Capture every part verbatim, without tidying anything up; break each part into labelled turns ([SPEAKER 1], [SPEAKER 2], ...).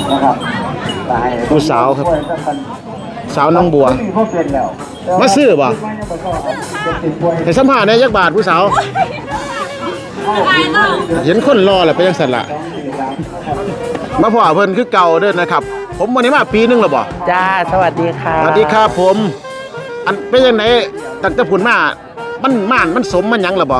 [SPEAKER 1] ผู้สาวครับสาวน้องบัวมาซื้อบ่ให้สัมภาษณ์ในยักบาทผู้สาวเห็นคนรอแหละเป็นยังสั่นละมาพ่อเพิ่นคือเก่าเด้อนะครับผมวันนี้มาปีนึงแล้วบ่
[SPEAKER 2] จ้าสวัสดีค่ะ
[SPEAKER 1] สวัสดีครับผมอันเป็นยังไงตั้งแต่ผุนมามันม่านมันสมมันยังล่ะบ่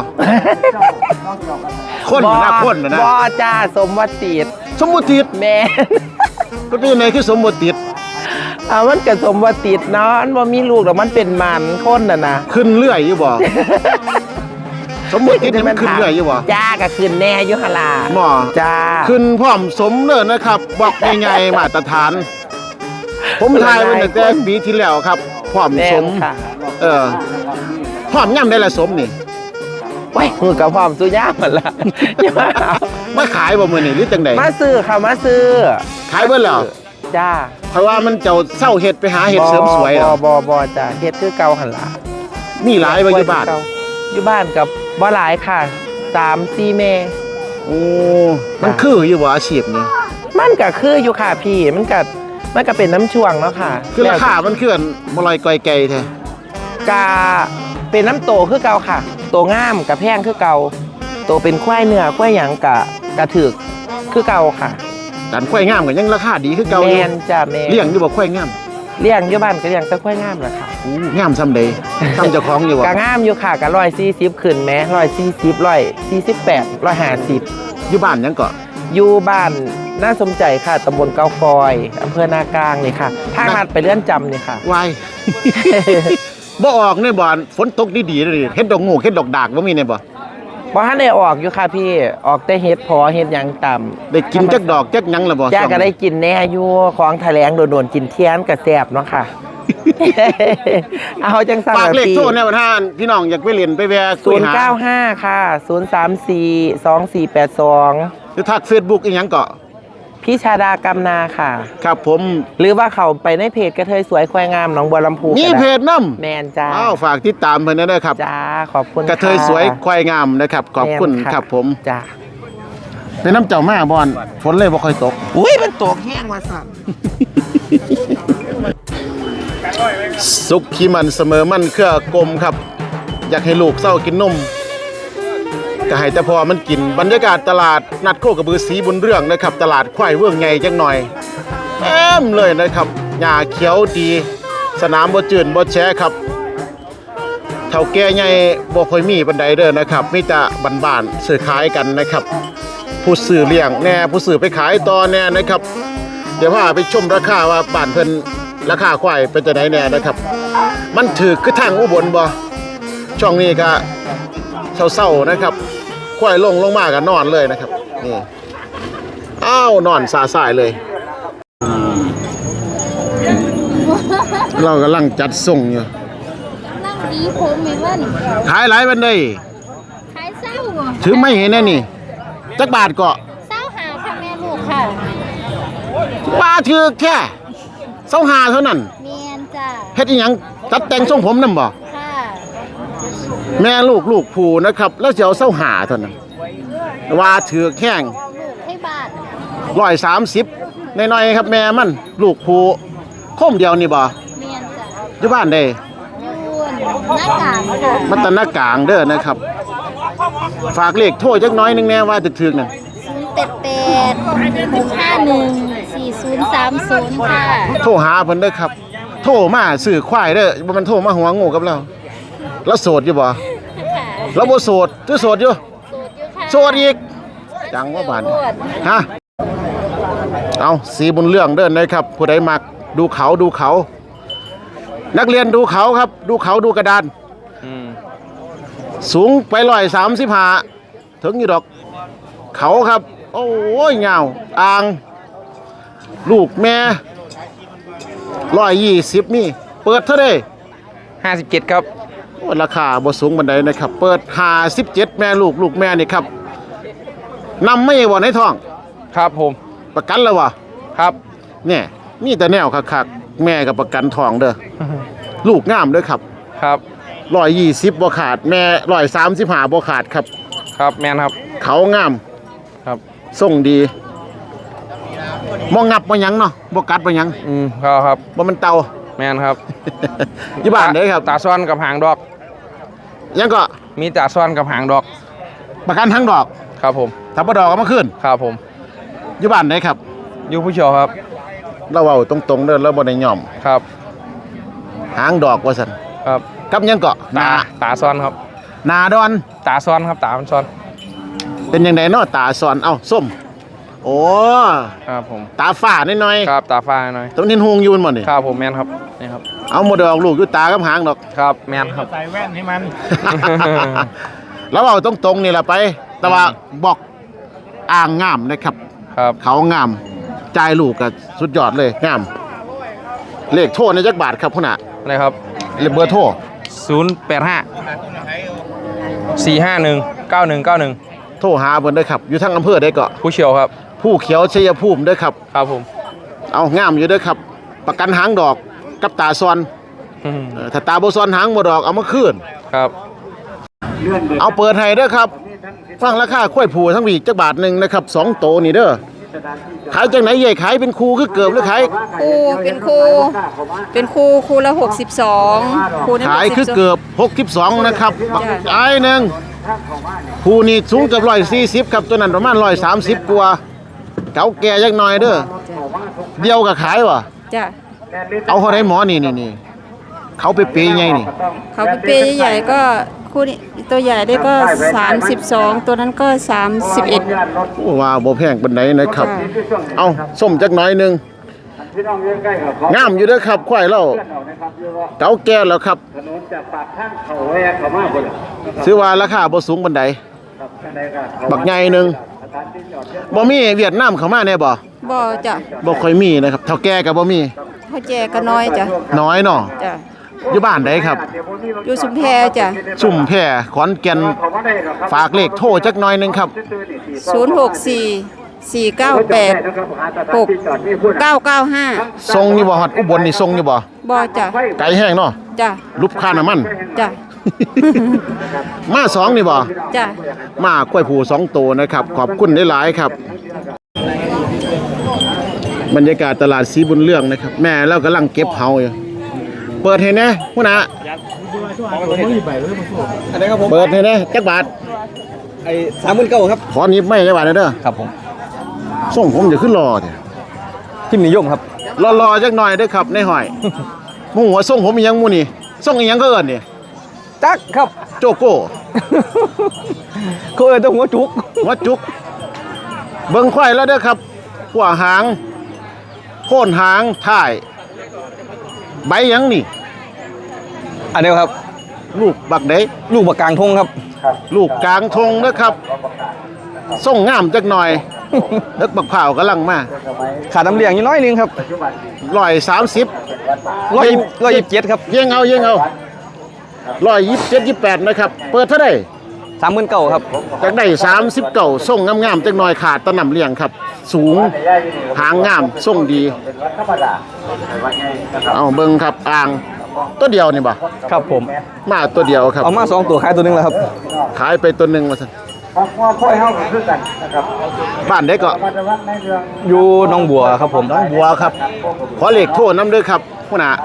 [SPEAKER 1] คนนะคนนะ
[SPEAKER 2] บ่จ้าสมวัติด
[SPEAKER 1] สมมุติด
[SPEAKER 2] แม่
[SPEAKER 1] ก็เป็นยังไงคือสมมุติด
[SPEAKER 2] อ่ามันก็สมวัติดเนาะมันบ่มีลูกแล้วมันเป็นมันคนน่ะนะ
[SPEAKER 1] ขึ้นเรื่อยอยู่บ่สมมุติดมันขึ้นเรื่อยอยู่บ่
[SPEAKER 2] จ้าก็ขึ้นแน่อยู่หั่นล่ะ
[SPEAKER 1] หมอ
[SPEAKER 2] จ้า
[SPEAKER 1] ขึ้นพร้อมสมเด้อนะครับบอกง่ายๆมาตรฐานผมทายไว้ตั้งแต่ปีที่แล้วครับพร้อมสมเออพร้อมย่ำได้ละสมนี่
[SPEAKER 2] ไว้มือกับพร้อมสุย่าหมดละ
[SPEAKER 1] มาขายบ่มื้อนี้หรือจังได๋
[SPEAKER 2] มาซื้อค่ะมาซื้อ
[SPEAKER 1] ขายเบิดแล้ว
[SPEAKER 2] จ้า
[SPEAKER 1] เพราะว่ามันเจ้าเศร้าเฮ็ดไปหาเฮ็ดเสริมสวย
[SPEAKER 2] บ่บ่บ่จ้าเฮ็ดคือเก่าหั่นล่ะ
[SPEAKER 1] มีหลายบ่อยู่บ้าน
[SPEAKER 2] อยู่บ้านกับบ่หลายค่ะสามสี่แม่
[SPEAKER 1] โอ้มันคืออยู่บ่อาชีพนี้
[SPEAKER 2] มันก็คืออยู่ค่ะพี่มันก็มันก็เป็นน้ำช่วงเนาะค่ะ
[SPEAKER 1] คือราคามันคือบ่ลอยก้อยไก่แท้
[SPEAKER 2] กะเป็นน้ำโตคือเก่าค่ะโตงามกับแพงคือเก่าโตเป็นควายเนื้อควายหยังกะกะถึกคือเก่าค่ะ
[SPEAKER 1] การควายงามก็ยังราคาดีคือเก่าอยู่
[SPEAKER 2] แม่นจ้ะแม่
[SPEAKER 1] เลี้ยงอยู่บ่ควายงาม
[SPEAKER 2] เลี้ยงอยู่บ้านก็เลี้ยงแต่ควายงามแหละค่ะ
[SPEAKER 1] อู้งามซ้ำใดทำเจ้าของอยู่บ่
[SPEAKER 2] ก็งามอยู่ค่ะก็หนึ่งร้อยสี่สิบขึ้นแม้หนึ่งร้อยสี่สิบ หนึ่งร้อยสี่สิบแปด หนึ่งร้อยห้าสิบ
[SPEAKER 1] อยู่บ้านยังก็
[SPEAKER 2] อยู่บ้านน่าสมใจค่ะตำบลเกาฟอยอำเภอนากลางนี่ค่ะทางลัดไปเลื่อนจำนี่ค่ะ
[SPEAKER 1] วายบ่ออกในบ่อนฝนตกดีๆเลยเฮ็ดดอกงูเฮ็ดดอกดากบ่มีในบ่
[SPEAKER 2] บ่ทันได้ออกอยู่ค่ะพี่ออกแต่เฮ็ดพอเฮ็ดหยังต่ำ
[SPEAKER 1] ได้กินจักดอกจักหยังล่ะบ่
[SPEAKER 2] จ้าก็ได้กินแน่อยู่ของแถลงโดนๆกินเทียนก็แซ่บเนาะค่ะเอาจังซั่น
[SPEAKER 1] ฝากเลขโทรแน่ว่าท่านพี่น้องอยากไปเล่นไปแวะ
[SPEAKER 2] คุยหาศูนย์เก้าห้าค่ะศูนย์สามสี่ สองสี่แปดสอง
[SPEAKER 1] หรือทัก Facebook อีหยังก็
[SPEAKER 2] พี่ชาดากำนาค่ะ
[SPEAKER 1] ครับผม
[SPEAKER 2] หรือว่าเขาไปในเพจกระเทยสวยควายงามหนองบัวลำพู
[SPEAKER 1] มีเพจนำ
[SPEAKER 2] แมนจ้า
[SPEAKER 1] อ้าวฝากติดตามเพิ่นด้วยครับ
[SPEAKER 2] จ้าขอบคุณ
[SPEAKER 1] กระเทยสวยควายงามนะครับขอบคุณครับผม
[SPEAKER 2] จ้า
[SPEAKER 1] เป็นน้ำเจ้ามาบ่อนฝนเลยบ่ค่อยตก
[SPEAKER 2] อุ้ยมันตกแห้งว่าสั่น
[SPEAKER 1] สุขขี้มันเสมอมันเครือกลมครับอยากให้ลูกเศร้ากินนมก็ให้แต่พอมันกินบรรยากาศตลาดนัดโคกระบือสีบุญเรื่องนะครับตลาดควายเวื่องใหญ่จังหน่อยเต็มเลยนะครับหญ้าเขียวดีสนามบ่จืดบ่แฉะครับเฒ่าแก่ใหญ่บ่ค่อยมีปานใดเด้อนะครับมีแต่บ้านๆซื้อขายกันนะครับผู้ซื้อเลี้ยงแน่ผู้ซื้อไปขายต่อแน่นะครับเดี๋ยวพาไปชมราคาว่าบ้านเพิ่นราคาควายเป็นจังได๋แน่นะครับมันถูกคือทางอุบลบ่ช่วงนี้ก็เศร้าๆนะครับควายลงลงมากันนอนเลยนะครับนี่อ้าวนอนซาสายเลยเรากำลังจัดส่งอยู่
[SPEAKER 3] นั่งดีผมเห็นว่านี่
[SPEAKER 1] ขายหลายวันเลย
[SPEAKER 3] ขายเศร้า
[SPEAKER 1] ถือไม่เห็นแน่นี่จักบาทก็
[SPEAKER 3] เศร้าหาค่ะแม่ลูกค่ะ
[SPEAKER 1] ว่าถือแค่เศร้าหาเท่านั้น
[SPEAKER 3] เมียนจ้า
[SPEAKER 1] เฮ็ดอีหยังตัดแต่งทรงผมนำบ่แม่ลูกลูกผูนะครับแล้วจะเอาเส้าหาเท่านั้นว่าถือแข้ง
[SPEAKER 3] ให้บาท
[SPEAKER 1] ร้อยสามสิบน้อยๆครับแม่มันลูกผูคมเดียวนี่บ่
[SPEAKER 3] เมียนจ้ะ
[SPEAKER 1] อยู่บ้านได้
[SPEAKER 3] อยู่หน้ากลางค่ะ
[SPEAKER 1] มันตะหน้ากลางเด้อนะครับฝากเลขโทรจักน้อยนึงแน่ว่าถึกๆนั่น
[SPEAKER 3] ศูนย์แปดแปด หก ห้า หนึ่ง สี่ ศูนย์ สาม ศูนย์ค่ะ
[SPEAKER 1] โทรหาเพิ่นเด้อครับโทรมาซื้อควายเด้อบ่มันโทรมาหัวงูกับเราแล้วโสดอยู่บ่แล้วบ่โสดคือโสดอยู่โสดอีกจังว่าบานฮะเอาสีบุญเรื่องเด้อนะครับผู้ใดมักดูเขาดูเขานักเรียนดูเขาครับดูเขาดูกระดานสูงไปร้อยสามสิบห้าถึงอยู่ดอกเขาครับโอ้ยเงาอ่างลูกแม่ร้อยยี่สิบนี่เปิดเท่าไหร่
[SPEAKER 2] ห้าสิบเจ็ดครับ
[SPEAKER 1] ราคาบ่สูงบันไดนะครับเปิดห้าสิบเจ็ดแม่ลูกลูกแม่นี่ครับนำไม่บ่ในท้อง
[SPEAKER 2] ครับผม
[SPEAKER 1] ประกันแล้ววะ
[SPEAKER 2] ครับ
[SPEAKER 1] เนี่ยมีแต่แนวคักๆแม่กับประกันทองเด้อลูกงามด้วยครับ
[SPEAKER 2] ครับ
[SPEAKER 1] ร้อยยี่สิบบ่ขาดแม่ร้อยสามสิบห้าบ่ขาดครับ
[SPEAKER 2] ครับแม่นครับ
[SPEAKER 1] เขางาม
[SPEAKER 2] ครับ
[SPEAKER 1] ส่งดีบ่งับบ่หยังเนาะบ่กัดบ่หยัง
[SPEAKER 4] อืมครับครับ
[SPEAKER 1] บ่มันเต่า
[SPEAKER 4] แม่นครับ
[SPEAKER 1] อยู่บ้านเด้ครับ
[SPEAKER 4] ตาซ้อนกับหางดอก
[SPEAKER 1] ยังก็
[SPEAKER 4] มีตาซ้อนกับหางดอก
[SPEAKER 1] ประกันทั้งดอก
[SPEAKER 4] ครับผม
[SPEAKER 1] ถ้าบ่ดอกเอามาคืน
[SPEAKER 4] ครับผม
[SPEAKER 1] อยู่บ้านเด้ครับ
[SPEAKER 4] อยู่ผู้เชี่ยวครับ
[SPEAKER 1] เราเว้าตรงๆเด้อเราบ่ได้ย่อม
[SPEAKER 4] ครับ
[SPEAKER 1] หางดอกว่าซั่น
[SPEAKER 4] ครับ
[SPEAKER 1] กับยังก็ห
[SPEAKER 4] ตา
[SPEAKER 1] นา
[SPEAKER 4] ตาซ้อนครับ
[SPEAKER 1] หนาดอน
[SPEAKER 4] ตาซ้อนครับตามันซ้อน
[SPEAKER 1] เป็นยังไงเนาะตาสอนเอ้าส้มโอ้
[SPEAKER 4] ครับผม
[SPEAKER 1] ตาฝ้านิดหน่อย
[SPEAKER 4] ครับตาฟ้าหน่อย
[SPEAKER 1] ตรงนี้หงอยู่มันบ่นี่
[SPEAKER 4] ครับผมแม่นครับนี่ครับ
[SPEAKER 1] เอาหมดดอกลูกอยู่ตากับหางดอก
[SPEAKER 4] ครับแม่นครับ
[SPEAKER 5] ใส่แว่นให้มัน
[SPEAKER 1] แล้วเอาตรงๆนี่แหละไป แต่ว่าบอกอ่างงามนะครับ
[SPEAKER 4] ครับ
[SPEAKER 1] เขางามจ่ายลูกก็สุดยอดเลยงาม เลขโทษในจักบาทครับพุ่นน่ะ
[SPEAKER 4] อะไรครับ
[SPEAKER 1] เลขเบอร์โทร
[SPEAKER 4] ศูนย์แปดห้าสี่ห้าหนึ่งเก้าหนึ่งเก้าหนึ่ง
[SPEAKER 1] โทรหาเพิ่นเด้อครับ อยู่ทางอำเภอได้ก็
[SPEAKER 4] ผู้เชี่ยวครับ
[SPEAKER 1] ผู้เขียวชัยภูมิเด้อครับ
[SPEAKER 4] ครับผม
[SPEAKER 1] เอางามอยู่เด้อครับ ประกันหางดอกกับตาซอน
[SPEAKER 4] อืม
[SPEAKER 1] เออถ้าตาบ่ซอนหางบ่ดอกเอามาคืน
[SPEAKER 4] ครับ
[SPEAKER 1] เอาเปิดให้เด้อครับ ฟังราคาข้อยผูทั้งวีกจักบาทหนึงนะครับสองโตนี่เด้อขายจังไหนใหญ่ขายเป็นคูคือเกือบหรือขาย
[SPEAKER 6] ครูเป็นครูเป็นครูครูละหกสิบสองครูนี่
[SPEAKER 1] ขายคือ
[SPEAKER 6] หกสิบสอง
[SPEAKER 1] เกือบหกสิบสองนะครับ
[SPEAKER 6] จ้ะ
[SPEAKER 1] ไอ้หนึงคูนี่สูงเกือบร้อยสี่สิบครับตัวนั้นประมาณร้อยสามสิบกว่าเก่าแก่จักหน่อยเด้อเดียวกับขายวะ
[SPEAKER 6] จ้ะ
[SPEAKER 1] เอาเขาได้หมอนี่นี่นี่เขาไปเปย์ไงนี่
[SPEAKER 6] เขาเป็นเปย์ใหญ่ๆก็ครูนี่ตัวใหญ่ได้ก็สามสิบสองตัวนั้นก็สามสิบเอ็ด
[SPEAKER 1] โอ้ว่าบ่แพงปานใดนะครับ เอาส้มจักหน่อยหนึงงามอยู่เด้อครับควายเราเก่าแก่แล้วครับซื้อว่าราคาบ่สูงปานใดบักใหญ่หนึงบ่มีเวียดนามเข้ามาแน่บ่
[SPEAKER 6] บ่จ้ะ
[SPEAKER 1] บ่ค่อยมีนะครับเฒ่าแก่ก็บ่มี
[SPEAKER 6] เขาแจกก็น้อยจ้ะ
[SPEAKER 1] น้อยเนาะ
[SPEAKER 6] จ้ะ
[SPEAKER 1] อยู่บ้านใดครับ
[SPEAKER 6] อยู่ชุมแพจ้ะ
[SPEAKER 1] สุ่มแพร่ขอนแก่นฝากเลขโทรจักหน่อยหนึงครับ
[SPEAKER 6] ศูนย์หกสี่สี่เก้าแปดหกเก้าเก้าห้า
[SPEAKER 1] ทรงนี่บ่ฮอดอุบลนี่ทรงนี่บ่
[SPEAKER 6] บ่จ้ะ
[SPEAKER 1] ไกลแห้งเนาะ
[SPEAKER 6] จ้ะ
[SPEAKER 1] รูปค่าน้ำมัน
[SPEAKER 6] จ้ะ
[SPEAKER 1] มาสองนี่บ่
[SPEAKER 6] จ้ะ
[SPEAKER 1] มากล้วยผูสองตัวนะครับ ขอบคุณหลายๆครับ บรรยากาศตลาดสีบุญเรื่องนะครับ แม่เรากำลังเก็บเฮาอยู่เปิดให้แน่พุ่นน่ะเปิดให้แน่จักบาท
[SPEAKER 5] ไอ้สามหมื่นเก้าครับ
[SPEAKER 1] ขอหนิบไม่จักบาทเด้อ
[SPEAKER 5] ครับผม
[SPEAKER 1] ส่งผมจะขึ้นรอเด้
[SPEAKER 5] ทิมนิยมครับ
[SPEAKER 1] รอๆจักหน่อยเด้อครับในห้อยหมู่หัวส่งผมอีหยังหมู่นี่ส่งอีหยังก็เอิ้นนี่
[SPEAKER 5] จักครับ
[SPEAKER 1] โจโก้
[SPEAKER 5] เขาเอ่ยตัวหัวจุก
[SPEAKER 1] หัวจุก เบิ่งควายแล้วเด้อครับหัวหางโค่นหางท้าย ใบหยังนี่
[SPEAKER 5] อันนี้ครับ
[SPEAKER 1] ลูกบักเด้
[SPEAKER 5] ลูกบักกลางทงครับ
[SPEAKER 1] ลูกกลางทงนะครับส่งงามจักหน่อย เอิกบักเผาวกำลังมา
[SPEAKER 5] ขาดน้ำเลี้ยงอยู่น้อยนึงครับ
[SPEAKER 1] ร้อยสามสิบ
[SPEAKER 5] ร้อยร้อยยี่สิบเจ็ดครับ
[SPEAKER 1] เยี่ยงเอาเยี่ยงเอาร้อยยี่สิบเจ็ดยี่สิบแปดนะครับ เปิดเท่าไหร่
[SPEAKER 5] สามหมื่นเก้าครับ
[SPEAKER 1] จากได้สามสิบเก่าส่งงามๆจักหน่อยขาดตะหนำเลี้ยงครับ สูงหางงามส่งดี เอาเบิ่งครับอ่างตัวเดียวนี่บ่
[SPEAKER 5] ครับผม
[SPEAKER 1] มาตัวเดียวครับ
[SPEAKER 5] เอามาสองตัวขายตัวหนึงแล้วครับ
[SPEAKER 1] ขายไปตัวหนึ่งมาสันบ้านได้ก็
[SPEAKER 5] อยู่หน้องบัวครับผม
[SPEAKER 1] น้องบัวครับ ขอเลขโทษน้ำเด้วยครับผู้น่ะ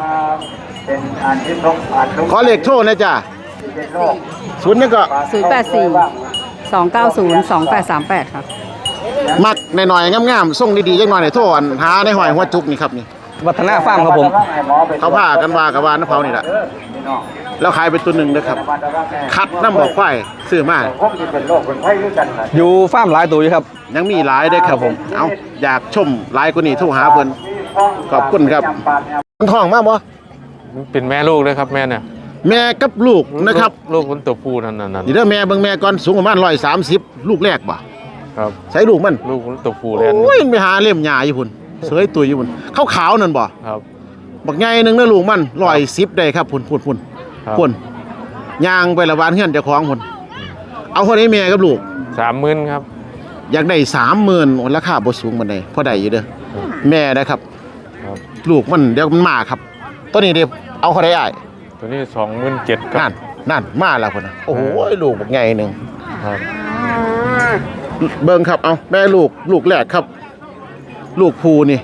[SPEAKER 1] ขอเลขโทษนะจ๊ะศูนย์นี่ก็
[SPEAKER 7] ศูนย์แปดสี่สองเก้าศูนย์สองแปดสามแปดครับ
[SPEAKER 1] มักหน่อยๆงามๆส่งดีๆจังหน่อยในโทษอันหาในหอยหัวจุกนี่ครับนี่
[SPEAKER 5] วัฒนาฟาร์มครับผม
[SPEAKER 1] เขาพากันว่ากับว่าน้ำเผานี่แหละแล้วขายไปตัวหนึ่งนะครับ คัดน้ำบอกควายซื้อมา
[SPEAKER 5] อยู่ฟาร์มหลายตัวอยู่ครับ
[SPEAKER 1] ยังมีหลายเด้อครับผม เอาอยากชมหลายกว่านี้โทรหาเพิ่นขอบคุณครับมันท้องมาบ่
[SPEAKER 4] เป็นแม่ลูกเลยครับแม่เนี่ย
[SPEAKER 1] แม่กับลูกนะครับ
[SPEAKER 4] ลูกคนตัวผู้นั่นนั่น
[SPEAKER 1] นี่เด้อแม่เบิ่งแม่ก่อนสูงประมาณร้อยสามสิบลูกแรกบ่
[SPEAKER 4] ครับ
[SPEAKER 1] ใช้ลูกมัน
[SPEAKER 4] ลูกคนตัวผู้เลย
[SPEAKER 1] โอ้ยไปหาเล่มหญ้าอยู่พุ่นเสยตุยอยู่พุ่นขาวๆนั่นบ่
[SPEAKER 4] ครับ
[SPEAKER 1] บักใหญ่หนึงนะลูกมันร้อยสิบได้ครับพุ่นพุ่นพุ่น
[SPEAKER 4] ครับ
[SPEAKER 1] พุ่นย่างไปละวานเฮือนเจ้าของพุ่นเอาคนนี้แม่กับลูก
[SPEAKER 4] สามหมื่นครับ
[SPEAKER 1] อยากได้สามหมื่นราคาบ่สูงปานใดพอได้อยู่เด้อแม่นะครับ
[SPEAKER 4] ครับ
[SPEAKER 1] ลูกมันเดี๋ยวมันมาครับตัวนี้เดี๋ยวเอาเขาได้อ้าย
[SPEAKER 4] ตัวนี้สองหมื่นเจ็ดครั
[SPEAKER 1] นั่
[SPEAKER 4] บ
[SPEAKER 1] นนั่นมาแล้วพุ่นน่ะโอ้โหลูกบักใหญ่หนึง
[SPEAKER 4] ครับ
[SPEAKER 1] เบิ่งครับเอาแม่ลูกลูกแรกครับลูกภูนี่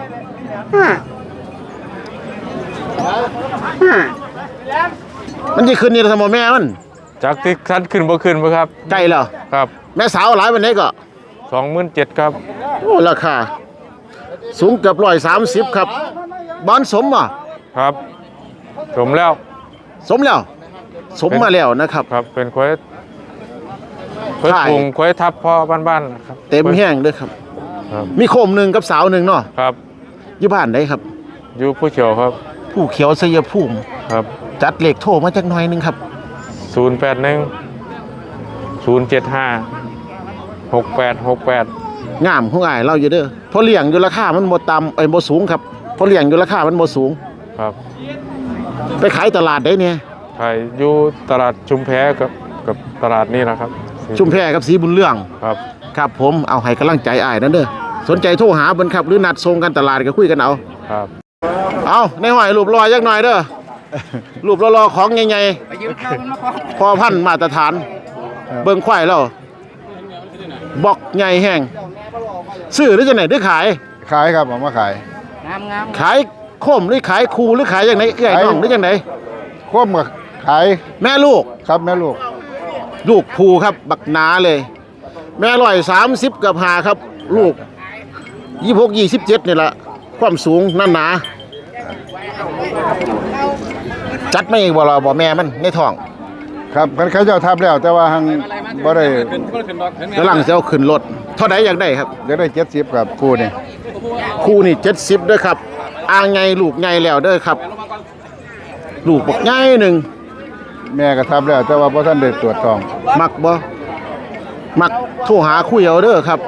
[SPEAKER 1] มันจะขึ้นนี่ละสมอแม่มัน
[SPEAKER 4] จากที่คัดขึ้นบ่ขึ้นบ่ครับ
[SPEAKER 1] ใกล้แล้ว
[SPEAKER 4] ครับ
[SPEAKER 1] แม่สาวหลายวันนี้ก็
[SPEAKER 4] สองหมื่นเจ็ดครับ
[SPEAKER 1] โอ้ราคาสูงเกือบร้อยสามสิบครับบอนสมอ่ะ
[SPEAKER 4] ครับสมแล้ว
[SPEAKER 1] สมแล้ว สมมาแล้วนะครับ
[SPEAKER 4] ครับเป็นควายควาย
[SPEAKER 1] ใช่
[SPEAKER 4] ปรุงควายทับพ่อบ้านๆครับ
[SPEAKER 1] เต็มแห้งด้วยครับ
[SPEAKER 4] ครับ
[SPEAKER 1] มีโคมหนึ่งกับสาวหนึ่งเนาะ
[SPEAKER 4] ครับ
[SPEAKER 1] อยู่บ้านได้ครับ
[SPEAKER 4] อยู่ผู้เขียวครับ
[SPEAKER 1] ผู้เขียวสยภูมิ
[SPEAKER 4] ครับ
[SPEAKER 1] จัดเลขโทรมาจากหน่อยหนึงครับ
[SPEAKER 4] ศูนย์แปดหนึ่งศูนย์เจ็ดห้าหกแปดหกแปด
[SPEAKER 1] งามของอ้ายเราอยู่เด้อเพราะเลี้ยงอยู่ราคามันบ่ต่ำเอ้ยบ่สูงครับเพราะเลี้ยงอยู่ราคามันบ่สูง
[SPEAKER 4] ครับ
[SPEAKER 1] ไปขายตลาดได้เนี่ย
[SPEAKER 4] ขายอยู่ตลาดชุมแพกับกับตลาดนี่นะครับ
[SPEAKER 1] ชุมแพกับสีบุญเรื่อง
[SPEAKER 4] ครับ
[SPEAKER 1] ครับผมเอาให้กำลังใจอ้ายนั่นเด้อสนใจโทรหาเบิ่นครับหรือนัดส่งกันตลาดก็คุยกันเอา
[SPEAKER 4] ครับ
[SPEAKER 1] เอาในห้อยรูปรอยจักหน่อยเด้อ รูปรอๆของใหญ่ๆพอพันธุ์มาตรฐาน เบิ่งควายแล้วบอกใหญ่แห้งซื้อหรือจังไหนหรือขาย
[SPEAKER 5] ขายครับผมมาขาย
[SPEAKER 1] ขายโคมหรือขายคูหรือขายจังไหนเอื้อยน้องหรือจังไหน
[SPEAKER 5] ควบกับขาย
[SPEAKER 1] แม่ลูก
[SPEAKER 5] ครับแม่ลูก
[SPEAKER 1] ลูกภูครับบักหนาเลย แม่ร้อยสามสิบกับหาครับ ลูกยี่หกยี่สิบเจ็ดนี่แหละความสูงนั่นหนา จัดไม่บ่รอบ่แม่มันในท้อง
[SPEAKER 5] ครับกันเขาเจ้าทับแล้ว แต่ว่าหังบ่ได้
[SPEAKER 1] กำลังจะเอาขึ้นรถเท่าใดอยากได้ครับ
[SPEAKER 5] เดี๋ยวได้เจ็ดสิบครับคู่นี่
[SPEAKER 1] คู่นี่เจ็ดสิบด้วยครับอ่างไงลูกไงแล้วเด้อครับ ลูกบอกไงหนึ่ง
[SPEAKER 5] แม่ก็ทับแล้ว แต่ว่าพ่ท่านได้ตรวจทอง
[SPEAKER 1] มักบ่มักโทรหาคุยเอาเด้อครับ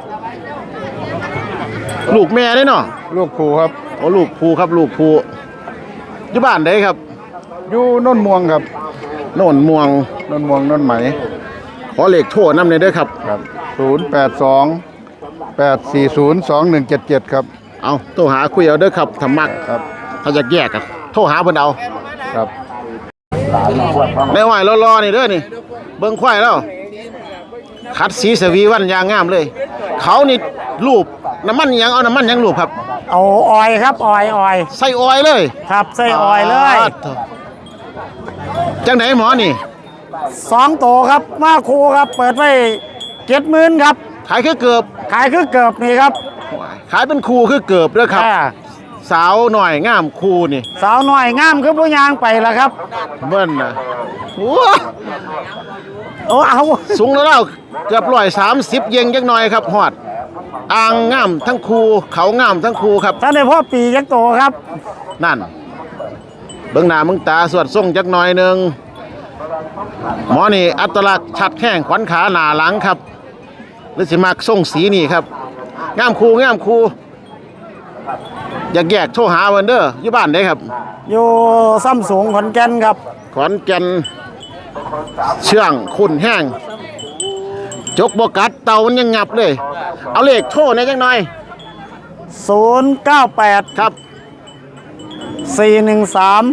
[SPEAKER 1] ลูกแม่ได้เนาะ
[SPEAKER 5] ลูกคู่ครับ
[SPEAKER 1] โอ้ลูกภูครับ ลูกภูอยู่บ้านได้ครับ
[SPEAKER 5] อยู่โน่นม่วงครับ
[SPEAKER 1] โน่นม่วง
[SPEAKER 5] โน่นม่วงโน่นไหม
[SPEAKER 1] ขอเลขโทรนำเลยเด้อครับ
[SPEAKER 5] ครับศูนย์แปดสองแปดสี่ศูนย์สองหนึ่งเจ็ดเจ็ดครับ
[SPEAKER 1] เอาโทรหาคุยเอาเด้อครับถ้ามัก
[SPEAKER 5] ครับ
[SPEAKER 1] ถ้าอยากแยกกันโทรหาเพิ่นเอา
[SPEAKER 5] ครับ
[SPEAKER 1] ในห้อยรอๆนี่เด้อนี่ เบิ่งควายแล้วคัดสีสวีวันยางงามเลย เขานี่รูปน้ำมันหยังเอาน้ำมันหยังรูปครับ
[SPEAKER 8] เอาออยครับออยออย
[SPEAKER 1] ใส่ออยเลย
[SPEAKER 8] ครับใส่ออยเลย
[SPEAKER 1] าดจังไหนหมอนี่
[SPEAKER 8] สองโตครับมาคูครับ เปิดไว้เจ็ดหมื่นครับ
[SPEAKER 1] ขายคือเกือบ
[SPEAKER 8] ขายคือเกือบนี่ครับ
[SPEAKER 1] ขายเป็นคูคือเกือบเด้อครับ
[SPEAKER 8] อ่า
[SPEAKER 1] สาวหน่อยงามคูนี่
[SPEAKER 8] สาวน้อยงามคือผู้ยางไปแล้วครับ
[SPEAKER 1] เบิ่นน่ะโอ้
[SPEAKER 8] โอ้เอา
[SPEAKER 1] สูงแล้วเกือบร้อยสามสิบเยงจักหน่อยครับฮอดอ่างงามทั้งคูเขางามทั้งคูครับ
[SPEAKER 8] ท่านในพ่อปียักษ์โตครับ
[SPEAKER 1] นั่น เบิ่งหน้ามึงตาสวดทรงจักหน่อยหนึงหมอนี่อัตลักษณ์ชัดแข้งขวัญขาหน้าหลังครับหรือสิมักทรงสีนี่ครับงามคูงามคูอยากแยกโทรหาเพิ่นเด้ออยู่บ้านได้ครับ
[SPEAKER 8] อยู่ซ้ำสูงขอนแก่นครับ
[SPEAKER 1] ขอนแก่นเชื่องขุ่นแห้งจกบกัดเตามันยังงับเลย เอาเลขโทรในอยจังหน่อย
[SPEAKER 8] ศูนย์ เก้า แปด
[SPEAKER 1] ครับ
[SPEAKER 8] สี่ หนึ่ง สาม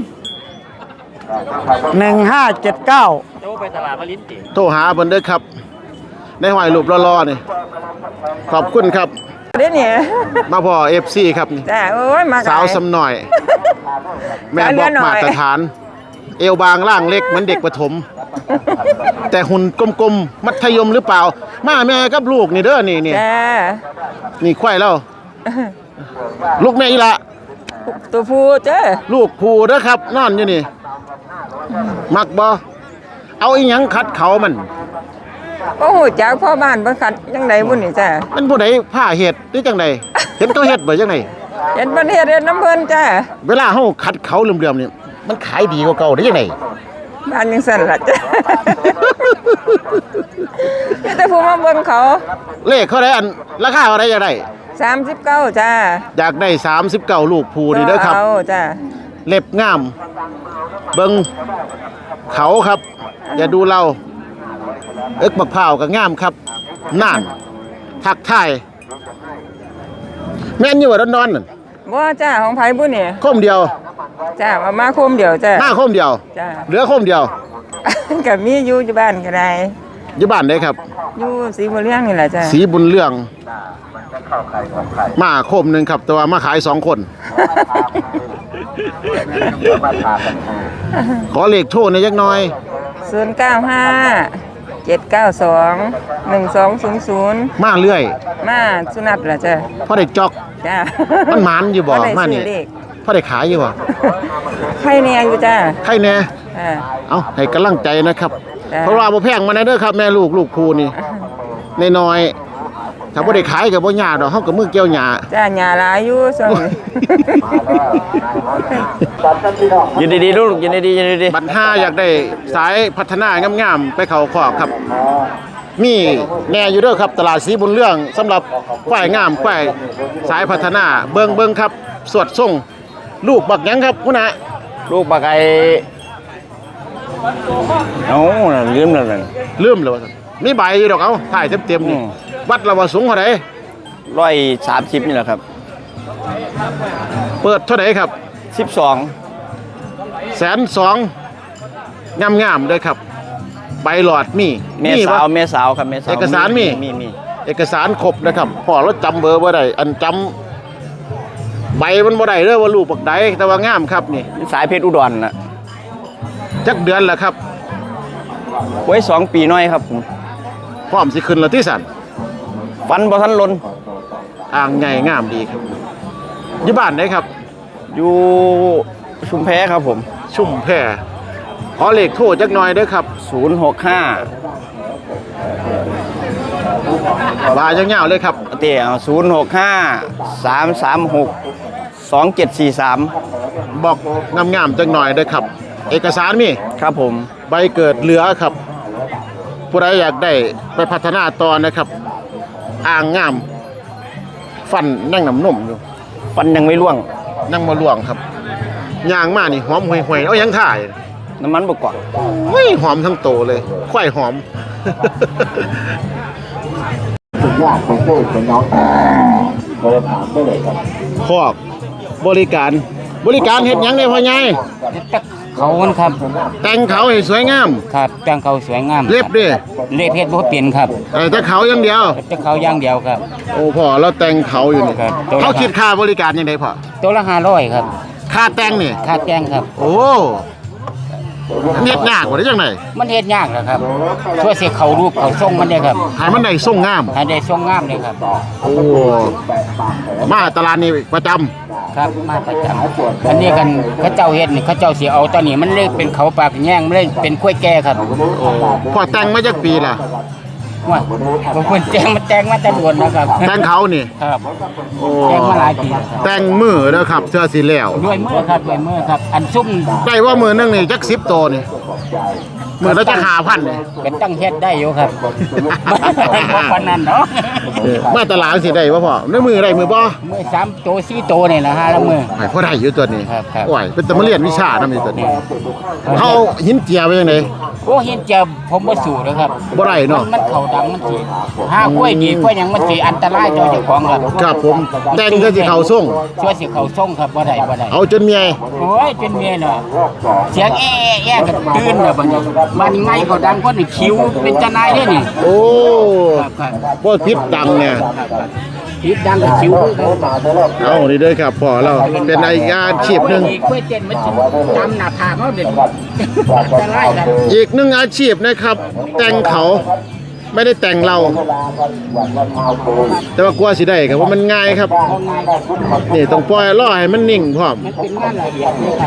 [SPEAKER 8] หนึ่ง ห้า เจ็ด เก้า
[SPEAKER 1] โทรหาเพิ่นเด้อครับ ในห้อยรูปรอๆนี่ขอบคุณครับ
[SPEAKER 2] เด้เนี่ย
[SPEAKER 1] มาพ่อ เอฟ ซี ครับนี่
[SPEAKER 2] จ้าโอ้ยมา
[SPEAKER 1] สาวสำหน่อย แม่บอกมาตรฐาน เอวบางร่างเล็กเหมือนเด็กประถม แต่หุ่นกลมๆ มัธยมหรือเปล่า มาแม่กับลูกนี่เด้อนี่นี่
[SPEAKER 2] จ้า
[SPEAKER 1] นี่ควายแล้ว ลูกแม่อีละ
[SPEAKER 2] ตัวผู้จ้า
[SPEAKER 1] ลูกผูเด้อครับ นอนอยู่นี่ มักบ่เอาอีหยังคัดเขามัน
[SPEAKER 2] โอ้โหจากพ่อบ้านบ่คัดจังไดบุ่นนี่จ้า
[SPEAKER 1] มันผู้ใดผ้าเห็ดหรือจังใดเห็นเขาเห็ดบ่จังได
[SPEAKER 2] เห็นประเทศเฮ็ดน้ำเพิ่นจ้า
[SPEAKER 1] เวลาเฮาคัดเขาเหลื่อมๆนี่มันขายดีกว่าเก่าได้จังได
[SPEAKER 2] บ้านยังสั่นล่ะจ้า มีแต่ผู้มาเบิ่งเขา
[SPEAKER 1] เลขเขาได้อันราคาเท่าใดอยากได้
[SPEAKER 2] สามสิบเก้าจ้า
[SPEAKER 1] อยากได้สามสิบเก้าลูกผูนี่เด้อครับ
[SPEAKER 2] เอาจ้า
[SPEAKER 1] เล็บงาม เบิงเขาครับ อย่าดูเรา เอิกบักพร้าวก็งามครับน่านทักทายแม่นอยู่ว่าดอนๆนั่น
[SPEAKER 2] บ่จ้าของไผบุ่นนี่
[SPEAKER 1] คมเดียว
[SPEAKER 2] จ้ามามาโคมเดียวจ้า
[SPEAKER 1] หน้าคมเดียว
[SPEAKER 2] จ้า
[SPEAKER 1] เหลือคมเดียว
[SPEAKER 2] ก็มีอยู่ที่บ้านก็ได้
[SPEAKER 1] อยู่บ้านได้ครับ
[SPEAKER 2] อยู่สีบุญเรื่องนี่แหละจ้า
[SPEAKER 1] สีบุญเรื่องมาคมหนึ่งครับ แต่ว่ามาขายสองคน ขอเลขโทษในอยยักหน่อย
[SPEAKER 2] ศูนย์เก้าห้าเจ็ดเก้าสองหนึ่งสองศูนย์ศูนย์
[SPEAKER 1] มาเรื่อย
[SPEAKER 2] มาสุนัตเหรอจ้ะ
[SPEAKER 1] พ่อได้จอก
[SPEAKER 2] จ้า
[SPEAKER 1] มันหมานอยู่บ่
[SPEAKER 2] บ่ได้
[SPEAKER 1] มานี่
[SPEAKER 2] ซื้อเลข
[SPEAKER 1] พ่อได้ขายอยู่บ่
[SPEAKER 2] ใครเนี่ยอยู่จ้า
[SPEAKER 1] ใครแน่
[SPEAKER 2] อ่า
[SPEAKER 1] เอาให้กำลังใจนะครับ
[SPEAKER 2] จ้ะ
[SPEAKER 1] เพราะว่าบ่แพงมาแน่เด้อครับแม่ลูกลูกครูนี่น้อยๆถ้าบ่ได้ขายก็บ่ยากดอกเฮาก็มือเกี่ยวหญ้า
[SPEAKER 2] จ้าหญ้าหลายอยู่ส่วงนี้
[SPEAKER 9] ยินดีๆลูกยินดีๆยินดี
[SPEAKER 1] บัดห้าอยากได้สายพัฒนางามๆไปเข้าคอกครับ มีแน่อยู่เด้อครับตลาดสีบุญเรื่องสำหรับควายงามควายสายพัฒนาเบิ่งเบิ่งครับสวดส่งลูกบักหยังครับคุณน่ะ
[SPEAKER 9] ๆลูกปลาไก่เอ้าน่ะลืมแล้วนั่น
[SPEAKER 1] ลืมแล้วว่าซั่นมีใบอยู่ดอกเอาถ่ายเต็มๆนี่
[SPEAKER 9] อืม
[SPEAKER 1] วัดละว่าสูงเท่าใด
[SPEAKER 9] ร้อยสามสิบนี่แหละครับ
[SPEAKER 1] เปิดเท่าใดครับ
[SPEAKER 9] สิบสอง
[SPEAKER 1] แสนสองงามๆเลยครับ ใบหลอดมี
[SPEAKER 9] เม
[SPEAKER 1] มี
[SPEAKER 9] สาว
[SPEAKER 1] บ่
[SPEAKER 9] เมสาวครับเมสาว
[SPEAKER 1] เอกสารมี
[SPEAKER 9] มีมี
[SPEAKER 1] เอกสารครบนะครับพอเราจำเบอร์บ่ได้อันจำใบมันบ่ได้เด้อว่าลูกบักใดแต่ว่างามครับนี่
[SPEAKER 9] เป็นสายเพชรอุดรน่ะ
[SPEAKER 1] จักเดือนแล้วครับ
[SPEAKER 9] ไว้สองปีน้อยครับผม
[SPEAKER 1] พร้อมสิขึ้นแล้วที่สั่น
[SPEAKER 9] ฟันบ่ทันลน
[SPEAKER 1] อ่างใหญ่งามดีครับอยู่บ้านไหนครับ
[SPEAKER 9] อยู่ชุมแพครับผม
[SPEAKER 1] ชุ่มแพรขอเลขโทรจักหน่อยเด้อครับ
[SPEAKER 9] ศูนย์หกห้า
[SPEAKER 1] บายยาวๆเลยครับ
[SPEAKER 9] เตี้ยศูนย์หกห้าสามสามหกสองเจ็ดสี่สาม
[SPEAKER 1] บอกงามๆจักหน่อยเด้อครับ เอกสารมี
[SPEAKER 9] ครับผม
[SPEAKER 1] ใบเกิดเหลือครับ ผู้ใดอยากได้ไปพัฒนาต่อนะครับ อ่างงาม ฟันนั่งน้ำนมอยู่
[SPEAKER 9] ฟันยังไม่ร่วง
[SPEAKER 1] นั่งมาล่วงครับย่างมานี่หอมห่วยๆเอายังถ่าย
[SPEAKER 9] น้ำมันบกกว่า
[SPEAKER 1] เฮ้ยหอมทั้งโตเลยควายหอม คอกบริการบริการเฮ็ดหยังได้พ่อใหญ่
[SPEAKER 10] เขามันครับ
[SPEAKER 1] แต่งเขาให้สวยงาม
[SPEAKER 10] ครับแต่งเขาสวยงาม
[SPEAKER 1] เล็บดิ
[SPEAKER 10] เล็บเพชรบ่เปลี่ยนครับ
[SPEAKER 1] เออแต่เขาอย่างเดียว
[SPEAKER 10] แต่เขาอย่างเดียวครับ
[SPEAKER 1] โอ้พ่อเราแต่งเขาอยู่นี่
[SPEAKER 10] ครับตัวละ
[SPEAKER 1] เขาคิดค่าบริการยังไงพ่อ
[SPEAKER 10] ตัวละห้าร้อยครับ
[SPEAKER 1] ค่าแต่งนี่
[SPEAKER 10] ค่าแต่งครับ
[SPEAKER 1] โอ้เฮ็ดยากกว่าได้จังได
[SPEAKER 10] มันเฮ็ดยากแหละครับช่วยสิเขารูปเขาทรงมันได้ครับ
[SPEAKER 1] ให้มันได้ทรงงาม
[SPEAKER 10] ให้ได้ทรงงามเลยครับ
[SPEAKER 1] โอ้มาตลาดนี้ประจำ
[SPEAKER 10] ครับมาประจำอันนี้กันเขาเจ้าเฮ็ดนี่เขาเจ้าสิเอาตอนนี้มันเลยเป็นเขาปากแย่งมันเลยเป็นกล้วยแก่ครับ
[SPEAKER 1] พ่อแต่งมาจากปีล่ะ
[SPEAKER 10] ว่าบ่ควรแต่งมันแต่งมาแต่โดนนะครับ
[SPEAKER 1] แต่งเขานี่
[SPEAKER 10] ครับ
[SPEAKER 1] โอ้
[SPEAKER 10] แต่งมาหลายปีแล้วครับ
[SPEAKER 1] แต่งมือเด้อครับเสื้อสีแล้ว
[SPEAKER 10] ด้วยมือครับด้วยมือครับ อันซุ่ม
[SPEAKER 1] ได้ว่ามือนึงนี่จักสิบตัวนี่มือละจักห้าพันนี่
[SPEAKER 10] เป็นตั้งเฮ็ดได้อยู่ครับบ่ปานนั้นเนาะ
[SPEAKER 1] เออมาตลาดสิได้บ่พ่อในมือได้มือบ่
[SPEAKER 10] มือสามโตสี่โตนี่นะฮะละมือ
[SPEAKER 1] ให้พ่อได้อยู่ตัวนี้
[SPEAKER 10] ครับครับ
[SPEAKER 1] โอ้ยเป็นตะมาเรียนวิชานำอยู่ตัวนี้เฮาหินเจียไว้จังได
[SPEAKER 10] โอ้เห็นเจอผมบ่สู้นะครับ
[SPEAKER 1] บ่ได้เนาะ
[SPEAKER 10] มันเข้าดังมันสิหากล้วยดีกล้วยหยังมันสิอันตรายต่อเจ้าของครับ
[SPEAKER 1] ครับผมแต่งก็สิเข้าทรง
[SPEAKER 10] ช่วยสิเข้าทรงครับบ่ได้บ่ได้
[SPEAKER 1] เอาจนเมีย
[SPEAKER 10] โอ้ยเป็นเมียเนาะเสียงแอ้แอ้ก็ตื่นแล้วบัดนี้มันไงก็ดังคนนี่คิวเป็นจะนายเด้นี่
[SPEAKER 1] โอ้
[SPEAKER 10] ครับครับ
[SPEAKER 1] บ่พิษดังเนี่ย
[SPEAKER 10] คิดดังก็คิวคือกัน
[SPEAKER 1] เอานี่เด้อครับพ่อเราเป็นอีกอาชีพหนึง
[SPEAKER 10] กล้วยเต้นมันสิตามหน้าผากเฮาเด็ดอันตรายครับ
[SPEAKER 1] อีกหนึ่งอาชีพนะครับ แต่งเขาไม่ได้แต่งเรา แต่ว่ากลัวสิได้ครับว่ามันง่ายครับ นี่ต้องปล่อยล่อให้มันนิ่งพร้อม
[SPEAKER 10] มันเป็นงานละเอียดเลยครับ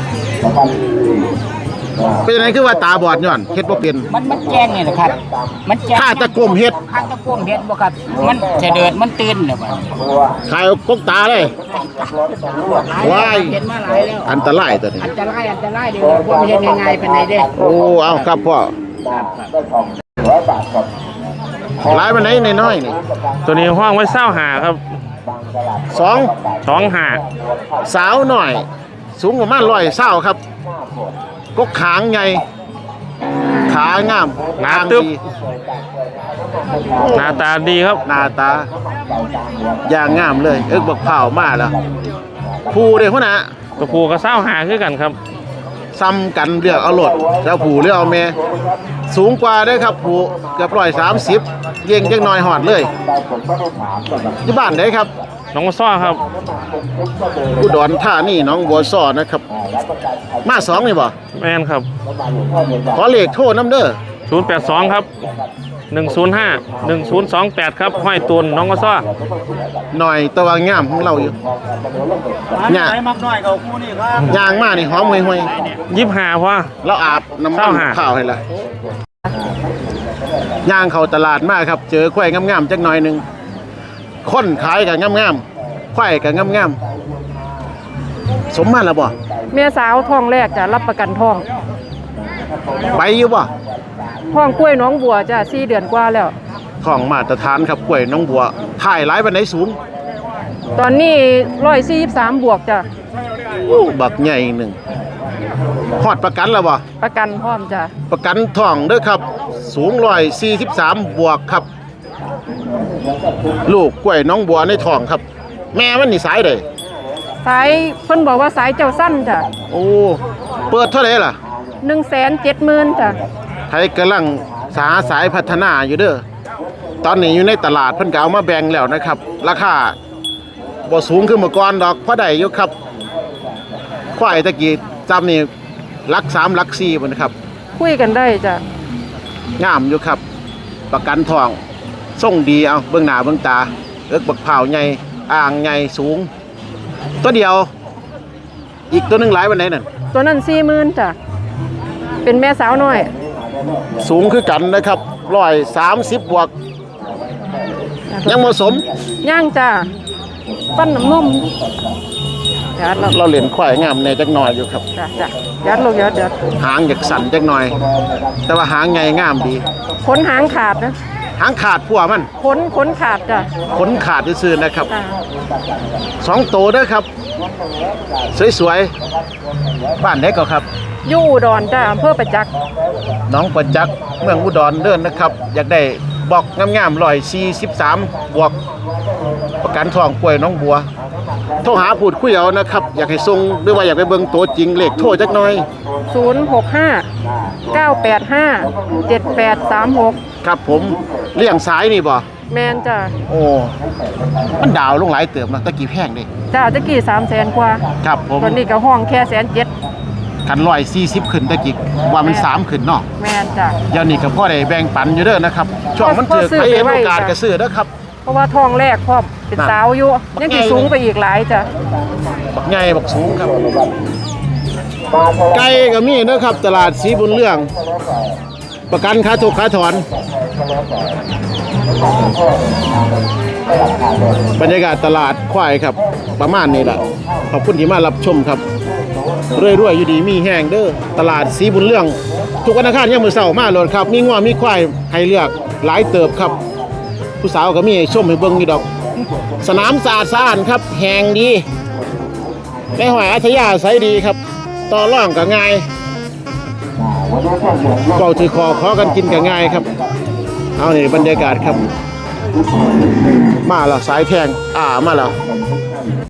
[SPEAKER 1] เป็นยังไงคือว่าตาบอดย้อนเฮ็ดบ่เป็น
[SPEAKER 10] มันมันแจ้งนี่แหละครับ มันแจ้ง
[SPEAKER 1] ข้าตะกลมเฮ็ด
[SPEAKER 10] ข้าตะกลมเฮ็ดบ่ครับ มันจะเดินมันตื่นเนี่ยบ่
[SPEAKER 1] ขายกกตาเลยว้าย
[SPEAKER 10] เห็นมาหลายแล้ว
[SPEAKER 1] อันตรายตัวนี้
[SPEAKER 10] อันตรายอันตรายเดี๋ยวพวกเฮ็ดง่ายๆปานใดเด้
[SPEAKER 1] โอ้เอาครับพ่อหลายมันไหนน้อยๆนี่
[SPEAKER 4] ตัวนี้ห้องไว้เศร้าหาครับ
[SPEAKER 1] สอง
[SPEAKER 4] สองหา
[SPEAKER 1] สาวหน่อย สูงประมาณร้อยเศร้าครับกกขางใหญ่ขางาม
[SPEAKER 4] หนา
[SPEAKER 1] ทาง
[SPEAKER 4] ตึ๊บ
[SPEAKER 1] ดี
[SPEAKER 4] หน้าตาดีครับ
[SPEAKER 1] หน้าตาอย่างงามเลย เอิกบักเผาวมาแล้วผู้เด้หัวหน้า
[SPEAKER 4] ตัวผู้ก็เศร้าหาคือกันครับ
[SPEAKER 1] ซ้ำกันเลือกเอาโลดแล้วผู้เลือกเอาแม่สูงกว่าเด้อครับผู้เกือบร้อยสามสิบเย่งจักหน่อยหอดเลยอยู่บ้านไหนครับ
[SPEAKER 4] น้องซ้อครับ
[SPEAKER 1] อุดรธานีหน้องบัวซ้อนะครับ มาสองนี่บ่
[SPEAKER 4] แมนครับ
[SPEAKER 1] ขอเลขโทรน้ำเด้อ
[SPEAKER 4] ศูนย์แปดสองครับหนึ่งศูนย์ห้าหนึ่งศูนย์สองแปดครับห้อยตุนน้องก็ซ้อ
[SPEAKER 1] หน่อยตะวันงามของเราอยู่เนี่ย
[SPEAKER 8] มักน้อยเขาคู่นี่ครับ
[SPEAKER 1] ยางมานี่หอมห่วย
[SPEAKER 4] ยี่สิบห้าพอ
[SPEAKER 1] ๆเราอาบน้ำมั
[SPEAKER 4] เศร้าน หา
[SPEAKER 1] ข้าวให้ละย่างเข้าตลาดมากครับ เจอควายงามๆจักหน่อยหนึงคนขายกับงามๆควายกับงามๆสมมาแล้วบ่
[SPEAKER 7] เมียสาวท้องแรกจะรับประกันท้อง
[SPEAKER 1] ไปอยู่บ่
[SPEAKER 7] ท้องกล้วยน้องบัวจ้ะสี่เดือนกว่าแล้ว
[SPEAKER 1] ของมาตรฐานครับกล้วยน้องบัวถ่ายหลายปานใดสูง
[SPEAKER 7] ตอนนี้ร้อยสี่สิบสามบวกจ้ะ
[SPEAKER 1] อู้บักใหญ่หนึ่งฮอดประกันแล้วบ่
[SPEAKER 7] ประกันพร้อมจ้ะ
[SPEAKER 1] ประกันทองเด้อครับ สูงร้อยสี่สิบสามบวกครับ ลูกกล้วยน้องบัวในท้องครับ แม่มันนี่สายใด
[SPEAKER 7] สายเพิ่นบอกว่าสายเจ้าสั้นจ้ะ
[SPEAKER 1] โอ้เปิดเท่าไหร่ล่ะ
[SPEAKER 7] หนึ่งแสนเจ็ดหมื่นจ้ะ
[SPEAKER 1] ไทยกำลังสาสายพัฒนาอยู่เด้อตอนนี้อยู่ในตลาดเพิ่นก็เอามาแบ่งแล้วนะครับ ราคาบ่สูงขึ้นเมื่อก่อนดอกพอได้อยู่ครับควายตะกี้จำนี่หลักสามหลักสี่พุ่นนะครับ
[SPEAKER 7] คุยกันได้จ้ะ
[SPEAKER 1] งามอยู่ครับ ประกันทองทรงดีเอาเบื้องหน้าเบื้องตาเอิกบักเผาวใหญ่อ่างใหญ่สูง ตัวเดียว อีกตัวหนึงหลายวันไหนนั่น
[SPEAKER 7] ตัวนั้นสี่หมื่นจ้ะเป็นแม่สาวน้อย
[SPEAKER 1] สูงคือกันนะครับร้อยสามสิบบวก ยังเหมาะสม
[SPEAKER 7] ย่างจ้ะปั้นน้ำนมยัดลง
[SPEAKER 1] เราเหรียญควายงามในจักหน่อยอยู่ครับ
[SPEAKER 7] จ้ะจ้ะยัดลงยัดยัด
[SPEAKER 1] หางอยากสั่นจักหน่อย แต่ว่าหางใหญ่งามดี
[SPEAKER 7] ขนหางขาดนะ
[SPEAKER 1] หางขาดพัวมัน
[SPEAKER 7] ขนขนขาดจ้ะ
[SPEAKER 1] ขนขาดซื่อๆนะครับ
[SPEAKER 7] จ้ะ
[SPEAKER 1] สองโตเด้อครับ สวยๆบ้านไหนก็ครับ
[SPEAKER 7] อยู่อุดรจ้ะอำเภอประจักษ์
[SPEAKER 1] น้องประจักษ์เมืองอุดรเดินนะครับ อยากได้บอกงามๆร้อยสี่สิบสามบวก ประกันทองกล้วยน้องบัว โทรหาพูดคุยเอานะครับ อยากให้ส่งหรือว่าอยากไปเบิ่งตัวจริงเลขโทรจักหน่อย
[SPEAKER 7] ศูนย์หกห้าเก้าแปดห้าเจ็ดแปดสามหก
[SPEAKER 1] ครับผมเลี้ยงสายนี่บ่
[SPEAKER 7] แมนจ้ะ
[SPEAKER 1] โอ้ มันดาวลงหลายเติมนะตะกี้แพงเด้
[SPEAKER 7] จ้ะตะกี้สามแสนกว่า
[SPEAKER 1] ครับผม
[SPEAKER 7] ตอนนี้ก็ห้องแค่แสนเจ็ด
[SPEAKER 1] กันร้อยสี่สิบขึ้นตะกี้ว่ามันสามขึ้นเนาะ
[SPEAKER 7] แมนจ้ะ
[SPEAKER 1] เดี๋ยวนี้ก็พ่อได้แบ่งปันอยู่เด้อนะครับ ช่วงมัน
[SPEAKER 7] พ่อ
[SPEAKER 1] เถือก
[SPEAKER 7] ซื้อ
[SPEAKER 1] ไปเห็น
[SPEAKER 7] ไปไว้
[SPEAKER 1] โอกาส
[SPEAKER 7] จ้ะ
[SPEAKER 1] ก็ซื้อเด้อครับ
[SPEAKER 7] เพราะว่าท้องแรกพร้อมเป็น
[SPEAKER 1] น่ะ
[SPEAKER 7] สาวอยู่ยังสิสูงไปอีกหลายจ้ะ
[SPEAKER 1] บักใหญ่บักสูงครับ ไก่ก็มีนะครับ ตลาดสีบุญเรื่อง ประกันค่าถูกค่าถอน บรรยากาศตลาดควายครับ ประมาณนี้แหละขอบคุณที่มารับชมครับเรื่อยๆอยู่ดีมีแห้งเด้อตลาดสีบุญเรื่อง ทุกวันอังคารยามมื้อเช้ามาโลดครับ มีงัวมีควายให้เลือกหลายเติบครับ ผู้สาวก็มีให้ชมให้เบิ่งอยู่ดอก สนามสะอาดสะอาดครับแห้งดีแม่หอยอัธยาศัยดีครับ ต่อร่องก็ง่ายเป่าถือคอขอกันกินก็ง่ายครับ เอานี่บรรยากาศครับ มาแล้วสายแทงอ่ามาแล้ว